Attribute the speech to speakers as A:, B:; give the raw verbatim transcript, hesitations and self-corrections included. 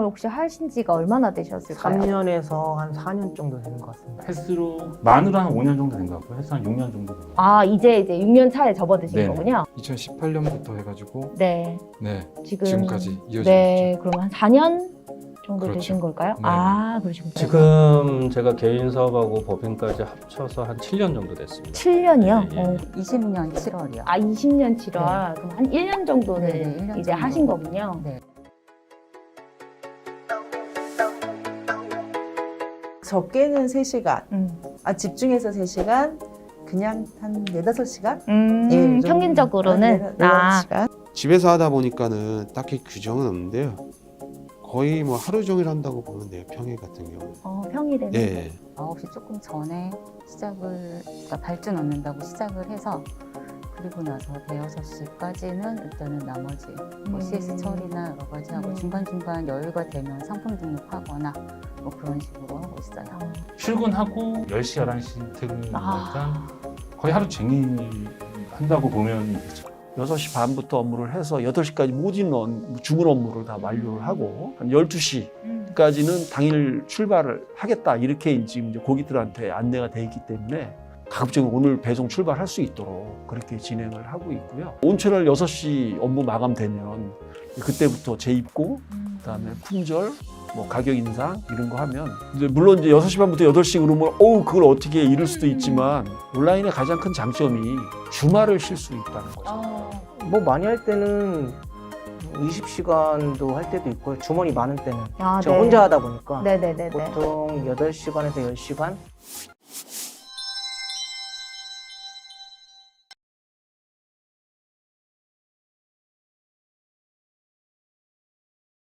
A: 혹시 하신 지가 얼마나 되셨을까요?
B: 삼 년에서 한 사 년 정도 되는 것 같습니다.
C: 헬스로 만으로 한 오 년 정도 된 것 같고요. 헬스 한 육 년 정도 된 것 같아요.
A: 아, 이제 이제 육 년 차에 접어드신
C: 네네.
A: 거군요.
D: 이천십팔 년부터 해가지고
A: 네.
D: 네
A: 지금
D: 지금까지 이어지고
A: 네, 그럼 한 사 년 정도
D: 그렇죠.
A: 되신 걸까요?
D: 네.
A: 아, 그러시군요.
E: 지금 제가 개인 사업하고 법인까지 합쳐서 한 칠 년 정도 됐습니다.
A: 칠 년이요?
E: 예, 예.
A: 어.
F: 이십 년 칠월이요.
A: 아, 이십 년 칠월. 그럼 한 일 년 정도는
F: 네, 네, 일 년
A: 이제
F: 정도.
A: 하신 거군요.
F: 네.
G: 적게는 세 시간,
A: 음,
G: 아, 집중해서 세 시간, 그냥 한 네다섯 시간?
A: 음,
G: 예, 이 정도.
A: 평균적으로는
G: 한 네다섯
A: 아,
G: 시간?
H: 집에서 하다 보니까는 딱히 규정은 없는데요. 거의 뭐 하루 종일 한다고 보면 돼요. 평일 같은 경우.
A: 어, 평일에는
H: 예.
F: 아홉 시 조금 전에 시작을, 그러니까 발주 넣는다고 시작을 해서 그리고 나서 대여섯 시까지는 일단은 나머지 뭐
A: 음.
F: 씨에스 처리나 여러 가지 하고
A: 음.
F: 중간중간 여유가 되면 상품 등록하거나 뭐 그런 식으로 하고 있어요.
A: 어,
C: 출근하고 열 시, 열한 시 퇴근이니까
A: 아.
C: 거의 하루 종일 한다고 보면 되죠.
I: 여섯 시 반부터 업무를 해서 여덟 시까지 모든 업- 주문 업무를 다 완료를 하고 한 열두 시까지는
A: 음.
I: 당일 출발을 하겠다 이렇게 지금 이제 고객들한테 안내가 돼 있기 때문에 가급적 오늘 배송 출발할 수 있도록 그렇게 진행을 하고 있고요. 온천을 여섯 시 업무 마감되면 그때부터 재입고 그다음에 품절 뭐 가격 인상 이런 거 하면 이제 물론 이제 여섯 시 반부터 여덟 시 그러면 어우 그걸 어떻게 이룰 수도 있지만 온라인의 가장 큰 장점이 주말을 쉴 수 있다는 거죠.
A: 어,
B: 뭐 많이 할 때는 이십 시간도 할 때도 있고요. 주머니 많은 때는.
A: 아,
B: 저
A: 네.
B: 혼자 하다 보니까
A: 네네네네.
B: 보통 여덟 시간에서 열 시간